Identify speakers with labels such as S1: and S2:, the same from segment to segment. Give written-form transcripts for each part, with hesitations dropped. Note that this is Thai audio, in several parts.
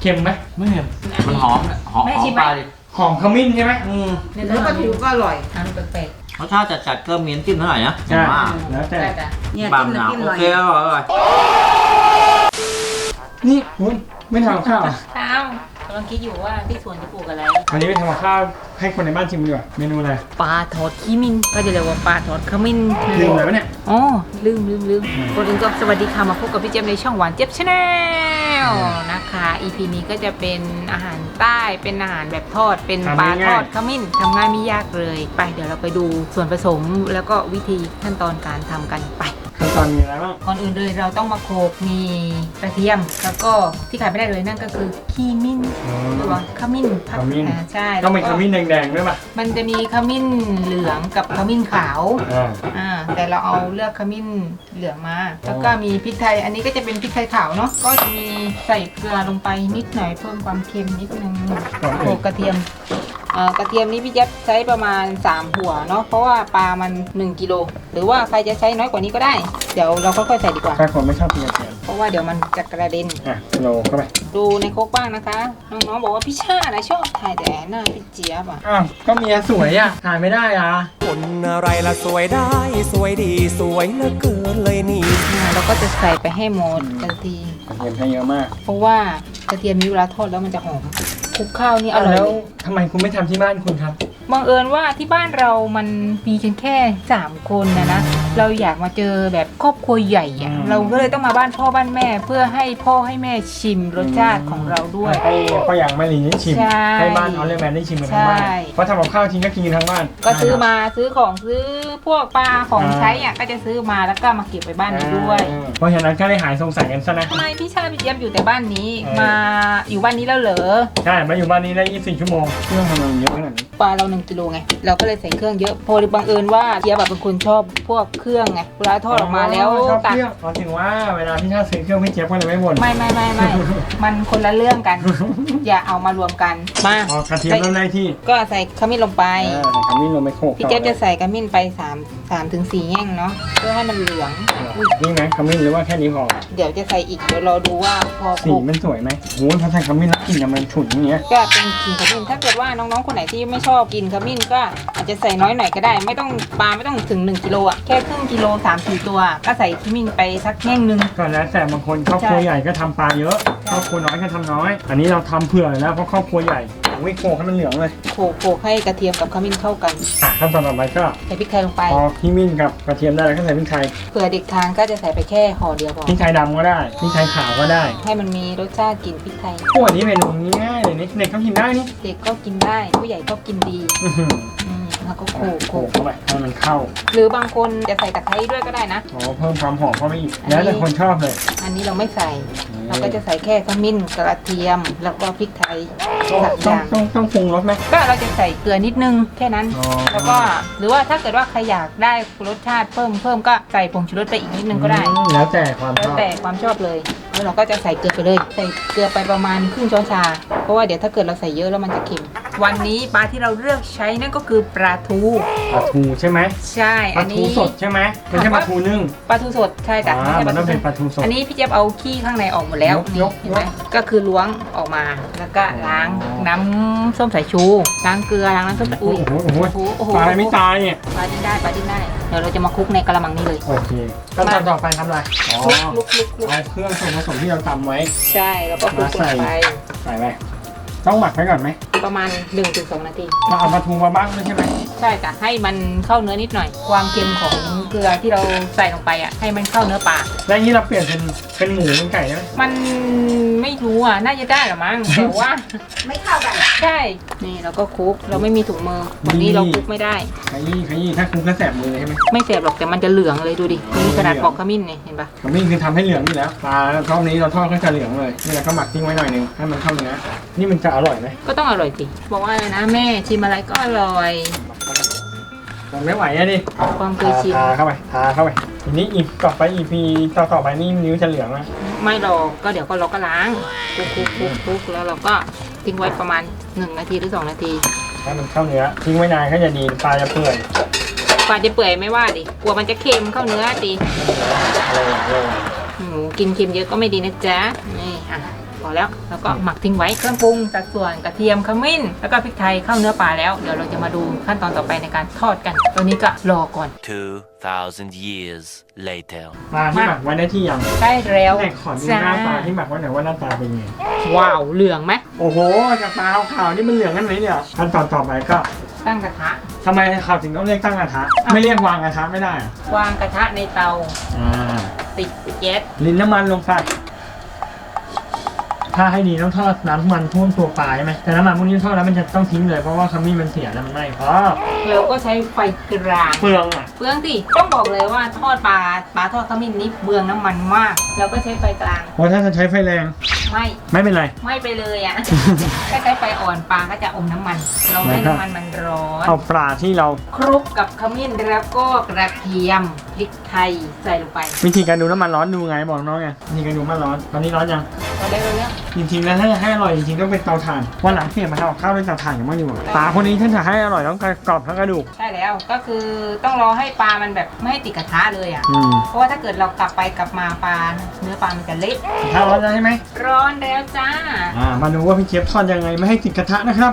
S1: ค็มไหม
S2: ไม่เค็มมันหอมปลาดิ
S1: หอมขมิ้นใช่ไหม
S3: เนื้อปลาทูก็อร่อยทานแปลก
S2: รสชาติจัดๆก็มีน้ำจิ้มเท่าไหร่นะ
S1: ใช่
S2: ว่า
S1: แล้ว
S3: ๆ
S1: แต่
S3: ได้จ้ะเนี่ย
S2: บาง
S3: จิ้ม
S2: หนา
S3: น้ำจิ้ม
S2: โอ
S3: หน่อย
S2: เคอร่อย
S1: นี่คุณไม่ทำข้าว
S3: ข้าวกำลังคิดอยู่ว่าที่สวนจะปลูกอะไร
S1: วันนี้ไปทำกับข้าวให้คนในบ้านชิมดีกว่าเมนูอะไร
S3: ปลาทอดขี้มินก็จะเรียกว่าปลาทอดขมิ้น
S1: ลืมอะไรวะเนี่ย
S3: อ๋อลืมคนอื่นก็สวัสดีค่ะมาพบกับพี่เจี๊ยบในช่องหวานเจี๊ยบชาแนลนะคะ EP นี้ก็จะเป็นอาหารใต้เป็นอาหารแบบทอดเป็นปลาทอดขมิ้นทำง่ายไม่ยากเลยไปเดี๋ยวเราไปดูส่วนผสมแล้วก็วิธีขั้นตอนการทำกันไป
S1: ขั้นตอนมีอะไรบ้าง
S3: ก่อนอื่นเลยเราต้องมาโขลกมีกระเทียมแล้วก็ที่ขาดไม่ได้เลยนั่นก็คือขี้มิ้นหรือว่าขมิ้น
S1: ขมิ้น
S3: ใช่
S1: ต้องเป็นขมิ้นแดงๆด้วยป่ะ
S3: มันจะมีขมิ้นเหลืองกับขมิ้นขาว
S1: อ่า
S3: แต่เราเอาเลือกขมิ้นเหลืองมา แล้วก็มีพริกไทยอันนี้ก็จะเป็นพริกไทยขาวเนาะก็จะมีใส่เกลือลงไปนิดหน่อยเพิ่มความเค็มนิดนึงโขลกกระเทียมกระเทียมนี้พี่แจ๊บใช้ประมาณ3หัวเนาะเพราะว่าปลามัน1กิโลหรือว่าใครจะใช้น้อยกว่านี้ก็ได้เดี๋ยวเราค่อยๆใส่ดีกว่า
S1: ถ้าคนไม่ชอบกินกระเทียม
S3: เพราะว่าเดี๋ยวมันจะกระเด็น
S1: โลเข้าไป
S3: ดูในโคกบ้างนะคะ น้องๆบอกว่าพี่ชานะชอบถ่ายแต่หน้าพี่เจี๊ยบอ่ะ
S1: อ้าวก็เมียสวยอ่ะถ่ายไม่ได้อ่ะ
S4: คนอะไรละสวยได้สวยดีสวยเหลือเกินเลยนี่
S3: เราก็จะใส่ไปให้หมดกระเทียม
S1: กระเทียมใช้เยอะมาก
S3: เพราะว่ากระเทียมนี้เวลาทอดแล้วมันจะหอมคลุกข้าวนี่อร่อย
S1: แล้ว
S3: เลย
S1: ทำไมคุณไม่ทำที่บ้านคุณครับ
S3: บังเอิญว่าที่บ้านเรามันมีกันแค่3คนนะเราอยากมาเจอแบบครอบครัวใหญ่อะเราก็เลยต้องมาบ้านพ่อบ้านแม่ เพื่อให้พ่อให้แม่ชิมรสชาติของเราด้วย
S1: ให้พ่ออย่างแม่ลีได้ชิม
S3: ใช่
S1: ให้บ้านออลเลอร์แมนได้ชิมกันทั้งบ้าน
S3: ใช่
S1: เพราะทำกับข้าวทิ้งก็กินกันทั้งบ้าน
S3: ก็ซื้อมาซื้อของซื้อพวกปลาของใช้อ่ะก็จะซื้อมาแล้วก็มาเก็บไว้บ้านนี้ด้วย
S1: เพราะฉะนั้นก็ได้หายสงสัยกันซะนะ
S3: ทำไมพี่ชาพี่เจี๊ยบอยู่แต่บ้านนี้มาอยู่บ้านนี้แล้วเหรอ
S1: ใช่ มาอยู่บ้านนี้ได้ 24 ชั่วโมงเครื่องทำงานเยอะขนาดนี้
S3: ปลาเรา1กิโลไงเราก็เลยใส่เครื่องเยอะพอดีบังเอิญว่าเจี๊ยบแบบเป็นคนชอบพวกเครื่องไงเวลาทอดออกมาแล้ว
S1: ชอบ
S3: ตัก
S1: เครื่องอ๋อถึงว่าเวลาพี่ชาติซื้อเครื่องพี่เจี๊ยบก็เลยไม่บ่น
S3: ไม่ มันคนละเรื่องกัน อย่าเอามารวมกันมา
S1: อ๋อกระเทียมเริ่มได้ที่
S3: ก็ใส่ขมิ้นลงไป
S1: ทำนี่ลงไปโขลก
S3: พี่เจี๊ยบจะใส่ขมิ้นไป3 ถึง 4แง่งเนาะเพื่อให้มันเหลือง
S1: นี่ไหมขมิ้นหรือว่าแค่นี้พอ
S3: เดี๋ยวจะใส่อีกเดี๋ยวรอดูว่าพอ
S1: สีมันสวยไหมโอ้ยพอใส่ขมิ้นแล้วกลิ่นมันฉุนอย่างเงี้ย
S3: ก็เป็นกลิ่นขมิ้นถ้าเกิดว่าน้องๆคนไหนที่ไม่ชอบกินขมิ้นก็อาจจะใส่น้อยหน่อยก็ได้ ไม่ต้องปลาไม่ต้องถึง1กิโลอ่ะแค่ครึ่งกิโล3-4ตัวก็ใส่ขมิ้นไปสักแง่งนึง
S1: ก็แล้วแต่บางคนครอบครัวใหญ่ก็ทำปลาเยอะครอบครัวน้อยก็ทำน้อย อันนี้เราทำเผื่อแล้วเพราะครอบครัวใหญ่โอ้ยโขลกให้มันเหลืองเลย
S3: โขลกให้กระเทียมกับขมิ้นเข้ากัน
S1: ขั้นตอนต่อไปก็
S3: ใส่พริกไทยลงไป
S1: พอขมิ้นกับกระเทียมได้แล้วก็ใส่พริกไทย
S3: เผื่อเด็กทานก็จะใส่ไปแค่ห่อเดียวพอ
S1: พริกไทยดำก็ได้พริกไทยขาวก็ได้
S3: ให้มันมีรสชาติกลิ่นพริกไทย
S1: พวกนี้เมนูง่ายๆเลยนี่เด็กก็กินได้นี่
S3: เด็กก็กินได้ผู้ใหญ่ก็กินดี
S1: อื้อหือ
S3: แล้วก็โขลก
S1: โขลกเข้าไปให้มันเข้า
S3: หรือบางคนจะใส่ตะไคร้ด้วยก็ได้นะ
S1: อ๋อเพิ่มความหอมเข้าไปอีกแล้วแต่คนชอบเลย
S3: อันนี้เราไม่ใส่ เราก็จะใส่แค่ขมิ้นกระเทียม แล้วก็พริกไทยสักอ
S1: ต้อง
S3: ย่าง
S1: ต้องปรุงรสไหม
S3: ก็เราจะใส่เกลือนิดนึงแค่นั้น
S1: อ๋อ
S3: แล้วก็หรือว่าถ้าเกิดว่าใครอยากได้รสชาติเพิ่มก็ใส่ผงชูรสไปอีกนิดนึงก็ได้
S1: แล้วแต่ความช
S3: แล้ว
S1: อบ
S3: แต่ความชอบเลยแล้วเราก็จะใส่เกลือไปเลยใส่เกลือไปประมาณครึ่งช้อนชา เพราะว่าเดี๋ยวถ้าเกิดเราใส่เยอะแล้วมันจะเค็มวันนี้ปลาที่เราเลือกใช้นั่นก็คือปลาทู
S1: ปลาทูใช่ไหม
S3: ใช่
S1: ป
S3: อั
S1: ลาน ทู
S3: นี้
S1: สดใช่ไหมไม่ใช่ปลาทูนึ่ง
S3: ปลาทูสดใช่จ้ะไม่ใช่
S1: มันต้องเป็นป
S3: ป
S1: ลา
S3: ลา
S1: ทู
S3: ทู
S1: สด
S3: อันนี้พี่เจี๊ยบเอาขี้ข้างในออกหมดแล้ว
S1: ยก
S3: เห็นไหมก็คือล้วงออกมาแล้วก็ล้างน้ำส้มสายชูล้างเกลือล้างน้ำส้มสาย
S1: โอ้
S3: อุ้ย
S1: โหปลาไม่ตายเนี่ย
S3: ปลาดิ้นได้ปลาดิ้นได้เดี๋ยวเราจะมาคลุกในกระมังนี้เลย
S1: โอเคขั้นตอนต่อไปทำอะไรอ๋อ
S3: คลุก
S1: เอาเครื่องส่วนผสมที่เราตำไว้
S3: ใช่แล้วก็คลุกลงไป
S1: ใส่ไปต้องหมักไว้ก่อนไหม
S3: ประมาณ 1-2 นาที
S1: เราเอาปลาทูมาบ้างด้วยใช่ไหม
S3: ใช่จ้ะให้มันเข้าเนื้อนิดหน่อย ความเค็มของเกลือที่เราใส่ลงไปอ่ะให้มันเข้าเนื้อปลา
S1: แล้วอย่างนี้เราเปลี่ยนเป็นหมูเป็นไก่ได้ไหม
S3: มันไม่รู้อ่ะน่าจะได้หรอมั้งแต่ว่า
S5: ไม่เข้ากัน
S3: ใช่นี่เราก็คลุกเราไม่มีถุงมือวันนี้เราคลุกไม่ได้
S1: ขยี้ถ้าคุณก็แสบมือใช่ไหม
S3: ไม่เสียบหรอกแต่มันจะเหลืองเลยดูดิมีขนาดปอกขมิ้นเนี่ยเห็นปะ
S1: ขมิ้นคือทำให้เหลืองอยู่แล้วปลารอบนี้เราทอดก็จะเหลืองเลยนี่เราก็หมักทิ้งไว้หน่อยนึงให้มันเข้าเนื้อนี่มันจะอร่อยไหม
S3: ก็ต้องอร่อยสิบอกว่าอะไรนะแม่ชิมอะไรก็อร่อย
S1: มันไม่ไหวอะดิ
S3: ความเคยชิม
S1: ทาเข้าไปทีนี้อีกต่อไป EP ต่อไปนี่นิ้วจะเหลืองนะ
S3: ไม่หรอกก็เดี๋ยวก็เราก็ล้างคลุกแล้วเราก็ทิ้งไว้ประมาณ1 นาทีหรือ2 นาที
S1: ให้มันเข้าเนื้อทิ้งไว้นานก็จะดีปลาจะเปื่อย
S3: กว่าจะเปื่อยไม่ว่าดิกลัวมันจะเค็มเข้าเนื้อดิ
S1: อะไร
S3: หนูกินเค็มเยอะก็ไม่ดีนะจ๊ะนี่อ่ะพอแล้วแล้วก็หมักทิ้งไว้เครื่องปรุงสัดส่วนกระเทียมขมิ้นแล้วก็พริกไทยเข้าเนื้อปลาแล้วเดี๋ยวเราจะมาดูขั้นตอนต่อไปในการทอดกันตอนนี้ก็รอก่อน
S5: 2,000 years later.
S1: ปลาที่หมักไว้ได้ที่ยัง
S3: ได้แล้ว
S1: ไหนขอดูหน้าปลาที่หมักไว้หน่อยว่าหน้าตาเป็นยังไง
S3: ว้าวเหลืองไหม
S1: โอ้โหจากปลาขาวๆนี่มันเหลืองกันไหมเนี่ยขั้นตอนต่อไปก็
S3: ตั้งกระทะ
S1: ทำไมข่าวถึงต้องเรียกตั้งกระทะไม่เรียกวางกระทะไม่ได้อะ
S3: วางกระทะในเตา ติดแก๊ส
S1: ลิ้นน้ำมันลงไปถ้าให้ดีต้องทอดน้ำมันท่วมตัวปลาใช่ไหมแต่น้ำมันพวกนี้ทอดแล้วมันจะต้องทิ้งเลยเพราะว่าขมิ้นมันเสียแล้วมันไหม้เพราะ
S3: เราก็ใช้ไฟกลาง
S1: เปลืองอ่ะ
S3: เปลืองสิต้องบอกเลยว่าทอดปลาทอดขมิ้นนี่เปลืองน้ำมันมากเราก็ใช้ไฟกลาง
S1: เพราะถ้าจะใช้ไฟแรง ไม่เป็นไร
S3: ไม่ไปเลยอ่ะ ถ้าใช้ไฟอ่อนปลาก็จะอมน้ำมัน เราให้น้ำมันมันร้อน
S1: เอาปลาที่เรา
S3: คลุกกับขมิ้นแล้วก็กระเทียมพริกไทยใส่ลงไป
S1: วิธีการดูน้ำมันร้อนดูไงบอกน้องไงวิธีการดูน้ำมันร้อนตอนนี้ร้อนยัง
S3: เราได้เลย
S1: จริงๆแล้วถ้าจะให้อร่อยจริงๆต้องเป็นเตาถ่านวันหลังเปลี่ยนมาทำกับข้าวด้วยเตาถ่านอย่างมากดีกว่าปลาคนนี้ถ้าจะให้อร่อยต้องกรอบทั้งกระดูก
S3: ใช่แล้วก็คือต้องรอให้ปลามันแบบไม่ให้ติดกระทะเลยอ่ะ
S1: อืม
S3: เพราะว่าถ้าเกิดเรากลับไปกลับมาปลาเนื้อปลามันจะเละ
S1: ถ้าร้อนแล้วใช่ไหม
S3: ร้อนแล้วจ้า
S1: มาดูว่าพี่เชฟทอดยังไงไม่ให้ติดกระทะนะครับ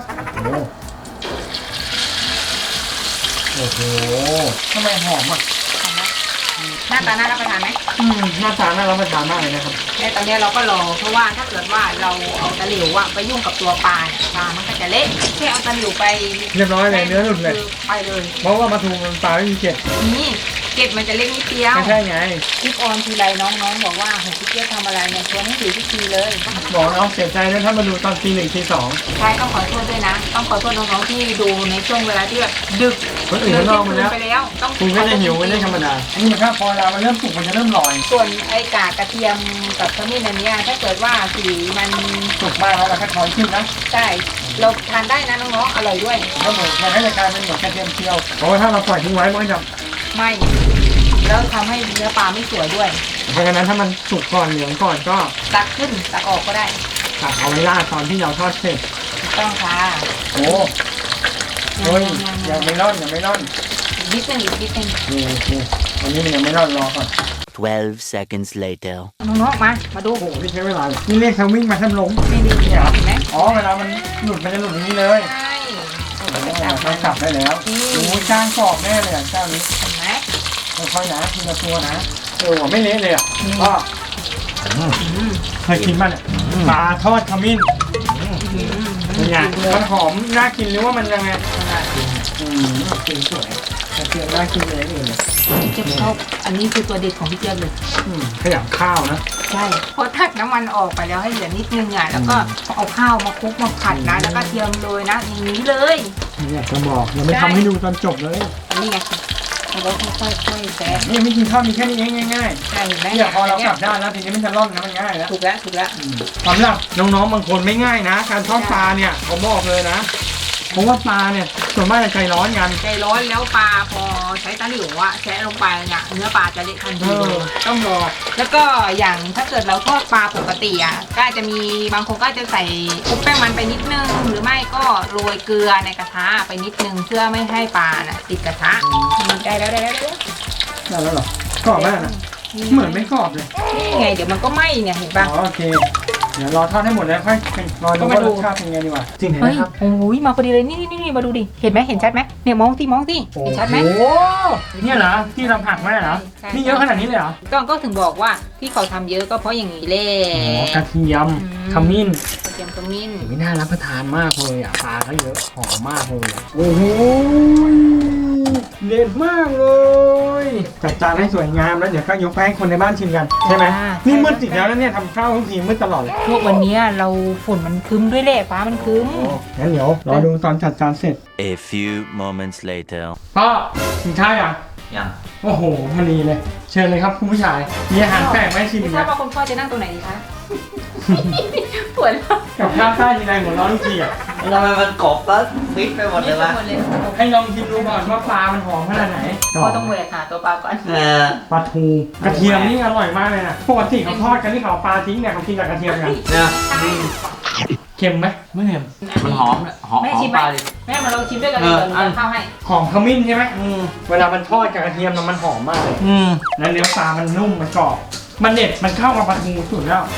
S1: โอ้โหทำไมหอมอ่ะ
S3: หน้าตาน่ารับประทานไหม
S1: หน้าตาน่ารับประทานมากเลยนะครับ
S3: ในตอนนี้เราก็รอเพราะว่าถ้าเกิดว่าเราเอาตะหลิวอะไปยุ่งกับตัวปลาเนี่ยปลามันก็จะเละแค่เอาตะหลิวไป
S1: เรียบร้อยเลยเนื้อหลุดเลย
S3: คือไปเลย
S1: เพราะว่ามาทูมันปลาไม่มีเกล็ด
S3: นี่เก็บมันจะเล็กนิดเดียว
S1: ไม่ใช่ไง
S3: คลิปออนทีไรน้องๆบอกว่าโหพี่เจี๊ยบทำอะไรเนี่ยชวนให้ถือทุกทีเลย
S1: บอกน้องเสียใจนะถ้ามาดูตอนตี 1 ตี 2
S3: ใช่ต้องขอโทษด้วยนะ ต้องขอโทษน้องๆที่ดูในช่วงเวลาที่แบบดึก
S1: คนอื่นเขานอนหมดแล้ว
S3: ไปแล้วต้อง
S1: คุณก็จะหิวกันได้ธรรมดานี่นะครับพอเวลามันเริ่มสุกมันจะเริ่มลอย
S3: ส่วนไอ้กากกระเทียมกับขมิ้นอันเนี้ยถ้าเกิดว่าสีมัน
S1: สุกมากแล้วเราก็ถอยขึ้นนะ
S3: ใช่เราทานได้นะน้องๆอร่อยด้วย
S1: แล้วเหมือนมันให้รายการเป็นเหมือนกระเทียมเจียวเพราะว่าถ้าเราปล่อยทิ้งไว้มันก็จะ
S3: ไม่แล้วทำให้เนื้อปลาไม่สวยด้วย
S1: เพราะฉะนั้นถ้ามันสุกก่อนเหลืองก่อนก็
S3: ตักขึ้นตักออกก็ได้
S1: ตักเอาไว้ราดตอนที่เราทอดเสร็จ
S3: ถูกต้องค่ะ
S1: โอ้เฮ้ยยังไม่ร่อนยังไม่ร่อน
S3: อีกนิดนึงอีกนิดนึง
S1: นี่วันนี้มันยังไม่ร่อนรอก่อน
S5: 12 seconds later.
S3: น้องๆมาดู
S1: โอ้โหนี่ใช้เวลาเลยนี่เรียกเขาวิ่งมาแทบล้ม
S3: ไม่ดีเห็นไหม
S1: อ๋อเวลามันหลุดมันจะหลุดอย่างนี้เลย
S3: ใช่
S1: ต้องกลับได้แล้วโอ้ยจ้างกรอบแน่เลยอ่ะเจ้านี้
S3: เห็นไหม
S1: ค่อยๆนะทีละตัวนะไม่เละเลยอ่ะก็เคยกินป่ะเนี่ยปลาทอดขมิ้นเป็นไงมันหอมน่ากินหรือว่ามันยังไงกินสวยกระเทียมน่ากินเลยเลย
S3: เจี๊ยบชอบอันนี้คือตัวเด็ดของพี่เจี๊ยบเลย
S1: ขยำข้าวนะ
S3: ใช่พอทักน้ำมันออกไปแล้วให้เหลือนิดนึงอ่ะแล้วก็เอาข้าวมาคลุกมาผัดนะแล้วก็เทียมโรยนะอย่างนี้เลย
S1: นี่อยากจะบอกยังไม่ทำให้ดูตอนจบเลย
S3: อันนี้ไงเราก็ค่อยๆแซะ
S1: นี่วิธีทอดมีแค่นี้เองง่าย
S3: ใช่เห็นไหม
S1: ๆเนี่ยพอเรากลับด้านแล้วทีนี้มันจะร่อนนะมันง่ายแล้ว
S3: ถูกแล้วถูกแล้ว
S1: สำหรับน้องๆบางคนไม่ง่ายนะ การทอดปลาเนี่ยผมบอกเลยนะเพราะว่าปลาเนี่ยส่วนมากจะใจร้อนกัน
S3: ใจร้อนแล้วปลาพอใช้ตะหลิวอะแซะลงไปเนี่ยเนื้อปลาจะเละทันทีเลยต้องรอแล้วก็อย่างถ้าเกิดเราทอดปลาปกติอะก็อาจจะมีบางคนก็จะใส่คลุกแป้งมันไปนิดนึงหรือไม่ก็โรยเกลือในกระทะไปนิดนึงเพื่อไม่ให้ปลาน่ะติดกระทะได้แล้ว
S1: ได้แล้วเหรอกรอบมากนะเหมือนไม่กรอบเลย
S3: นี่ไงเดี๋ยวมันก็ไหม้เนี่ยเห็นปะ
S1: อ๋อโอเคเดี๋ยวรอทอดให้หมดแล้วค่อยรอดูว่ารสชาติเป็นไงดีกว่าจริงไหม
S3: เฮ้ย
S1: ครับ
S3: โอ้ยมาพอดีเลยนี่มาดูดิเห็นไหมเห็นชัดไหมเนี่ยมองสิเห็นชัดไหม
S1: โอ้โหเนี่ยเหรอที่เราผักไว้เหรอ
S3: ใช่
S1: นี่เยอะขนาดนี้เลยเหรอ
S3: ก็ถึงบอกว่าที่เขาทำเยอะก็เพราะอย่างนี้แหละ
S1: กระเทียมขมิ้น
S3: กระเทียมขมิ้น
S1: ไม่น่ารับประทานมากเลยอ่ะปลาก็เยอะหอมมากเลยโอ้โหเด็ดมากเลยจัดจานให้สวยงามแล้วเดี๋ยวก็ยกไปให้คนในบ้านชิมกันใช่ไหมนี่มืดติดแล้วเนี่ยทำข้าวทุกทีมืดตลอดเลย
S3: พวกวันนี้เราฝนมันคึมด้วยแหละฟ้ามันคึม
S1: งั้นเดี๋ยวรอดูตอนจัดจานเสร็จ
S5: A few moments later.
S1: ก็กินข้าวยัง
S2: ยัง
S1: โอ้โหพอดีเลย เชิญเลยครับคุณผู้ชายมีอาหารแปลกไหมชิม
S3: ไม่
S1: อีก
S3: ทรา
S1: นะ
S3: บว่าคุณพ่อจะนั่งตรงไหนดีคะ ปวดแล้ว
S1: กับข้าวใต้ทีไรหัวเร้อนทุกทีอ่ะ
S2: ทำไมมันกรอบแล้วฟิตไปหมดเลยวะ
S3: หมดเลย
S1: ให้ลองชิมดูก่อนว่าปลามันหอมขนาดไหน
S3: พ่อต้องแหวกหาตัวปลาก่อน
S1: ปลาทูกระเทียมนี่อร่อยมากเลยนะปกติเขาทอดกันที่เขาเอาปลาทิ้งเนี่ยเขากินกับกระเทียมกัน
S2: เนี่ย
S1: เค็มไหมไม่เค็ม
S2: มันหอมหอม
S3: แม่
S2: หอ
S3: ชิ
S2: ม
S3: มไห
S2: ป
S3: ม
S2: ลาดิ
S3: แม่มาลองชิมด้วยกันเลยเดี๋ยวหนูจะเข้าให้
S1: หอมขมิ้นใช่ไหมเวลามันทอดกับกระเทียมน่ะมันหอมมากเลยแล้วเนื้อปลามันนุ่มมันกรอบมันเด็ดมันเข้ากับปลาทูสุดแล้ว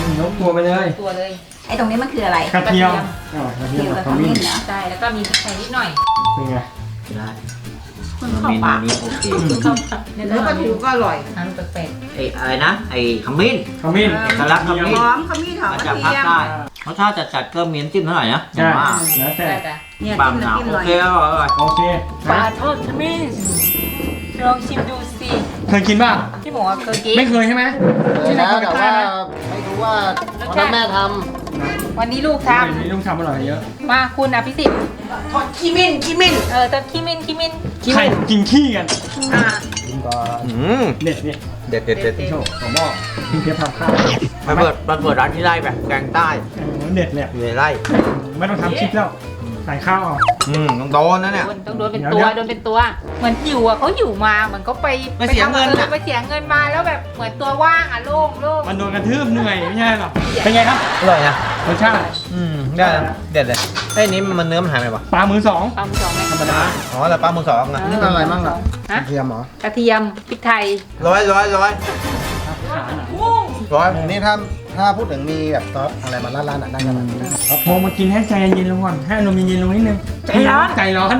S1: ยกตัวไปเลย
S3: ตัวเลย
S6: ไอ้ตรงนี้มันคืออะไร
S1: กระเทียมกระเทียมกับขมิ้น
S6: เหรอ
S3: ใช่แล้วก็มีพริกไทยนิดหน่อย
S1: เป็นไง
S2: ได้
S6: มัน
S2: เม
S6: เข้า
S2: นู
S6: ปาก
S2: นี้โอเค
S3: เนื้อปลาทูก็อร่อยน้ำแปลก
S2: ไอ้อะไรนะไอ้ขมิ้น
S1: ขมิ้น
S2: สลัดขมิ้น
S6: หอมขมิ้นหอม
S2: มัน
S6: ก
S2: จะ
S6: ระ
S2: พัก
S6: เทียม
S2: ได้รสชาติจัดๆก็มีน้ำจิ้มเท่าไหร่นะ
S1: ใช่
S2: ว่า
S1: แล้ว
S3: ๆ
S1: แต่
S3: ได้จ้ะ
S6: เนี่ย
S2: ปลา
S6: จิ้ม
S2: หนาว
S6: น้ำจิ้ม
S2: โอ
S6: หน่อย
S2: เคอร่อย
S1: โอเค
S3: ปลาทอดขมิ้นลองชิมดูสิ
S1: เคยกินป่ะ
S3: พี่หมูเคยกิน
S1: ไม่เคยใช่ไหม
S7: เคยแล้วแต่ว่าไม่รู้ว่าวันนั้นแม่ท
S3: วันนี้ลูกท
S1: นี่ต้องทำอร่อยเยอะ
S3: ำมาคุณอภิสิทธิ์
S6: ทอดขี้มิ้นขี้มิ้น
S3: แต่ขี้มิน
S1: ใครกินขี้กัน
S3: อ่า
S7: ำกินก่อน
S1: เด็ดนี่
S2: เด็ดเด็ดเด็ด
S1: โชว์ผมบอกพี่เพียบทำข้าว
S2: ไปเปิดร้านที่ไร่แบบแกงใต้
S1: เด็ดเลย
S2: อยู่ในไร่
S1: ไม่ต้องทำคลิปแล้วใส่ข้าวเอา
S2: ต้องโดนนะเนี่ย
S3: ต้องโดนเป็นตัวโดนเป็นตัว เหมือนอยู่อ่ะเขาอยู่มาเหมือนเขาไป
S2: ไปเสียเงิน
S3: ทำ
S2: อะ
S3: ไปเสียเงินมาแล้วแบบเหมือนตัวว่างอ่ะโล่ง
S1: มันโดนกระทืบเหนื่อยไม่ใช่หรอเป็นไงครับ
S2: อร่อยนะ
S1: รสชาติ
S2: ได้เด็ดเลยไอ้นี้มันเนื้อมันหายไปปะ
S1: ปลามือสอง
S3: ปลาหมึกสองไหม
S1: ธรรมดา
S2: อ๋อแต่ปลาหมึกสองอ่ะ
S7: นี่อะไรบ้างล่ะก
S3: ฮะ
S7: ระเทียมเหรอก
S3: ระเทียมพริกไทย
S2: ร้อย
S1: ขาหน่อย
S7: นี่ถ้าพูดถึงมีแบบซอสอะไรมาราดๆน่ะได้กันไหม
S1: มองมากินให้ใจเย็นๆลงก่อนให้อารมณ์เย็นๆลงนิดนึงใจร้อน
S3: ให้ร้อน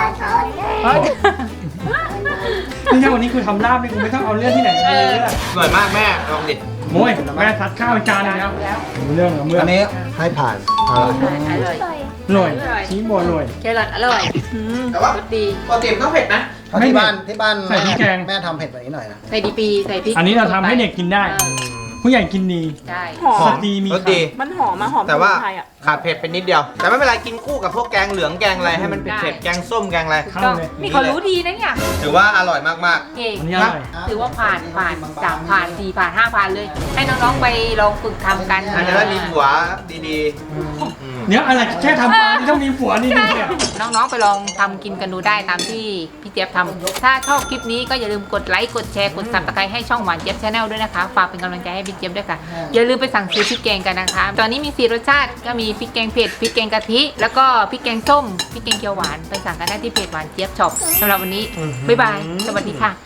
S1: นี่ถ้าวันนี้คือทำลาบนี่กูไม่ต้องเอาเรื่องที่ไหนมาเลยอะ
S2: อร่อยมากแม่ลองดิ
S1: โอ้ยแม่ซัดข้าวไปจานหนึงแล้วรู้เรื่องเหรอเมื่อ
S7: อันนี้ให้ผ่านเอาละ
S3: อร่อย
S1: อร่อยชี้บัวอร่อย
S3: แครอทอร่อย
S2: แต่ว่า
S3: รสดี
S2: ปกติต้องเผ็ดนะ
S7: เพราะที่บ้าน
S1: ใส่พริกแกง
S7: แม่ทำเผ็ดแบบนี้หน่อยนะ
S3: ใส่ดีปีใส่พริก
S1: อันนี้เราทำให้เด็กกินได้ ผู้ใหญ่กินดี
S3: ใช่
S1: สตรีมี
S2: รสดี
S8: มันหอมมาหอม
S2: แต่ว่า
S8: สมุนไพรอ่ะ
S2: ขาดเผ็ดไปนิดเดียว แต่ไม่เป็นไรกินคู่กับพวกแกงเหลืองแกงอะไรให้มันเผ็ดๆแกงส้มแกงอะไร
S1: เข้า
S3: ก็
S1: เลย
S3: นี่เขารู้ดีนะเนี่ย
S2: ถือว่าอร่อยมาก
S3: เก่ง
S1: อันนี้อร่อย
S3: ถือว่าผ่าน3 ผ่าน 4 ผ่าน 5 ผ่านเลย ให้น้องๆไปลองฝึกทำกัน
S2: ๆอาจจะได้มีผัวดีๆ
S1: เดี๋ยวอะไรแค่ทำปลาที่ต้องมีผัวนี่ดีเนี่ย
S3: น้องๆไปลองทำกินกันดูได้ตามที่พี่เจี๊ยบทำถ้าชอบคลิปนี้ก็อย่าลืมกดไลค์กดแชร์กดซับสไครต์ให้ช่องหวานเจี๊ยบชาแนลด้วยนะคะฝากเป็นกำลังใจให้พี่เจี๊ยบด้วยค่ะอย่าลืมไปสั่งซื้อพริกแกงกันนะคะ ตอนนี้มี4 รสชาติก็มีพริกแกงเผ็ดพริกแกงกะทิแล้วก็พริกแกงส้มพริกแกงเขียวหวานไปสั่งกันได้ที่เพจหวานเจี๊ยบช็อปสำหรับวันนี้บ๊ายบายสวัสดีค่ะ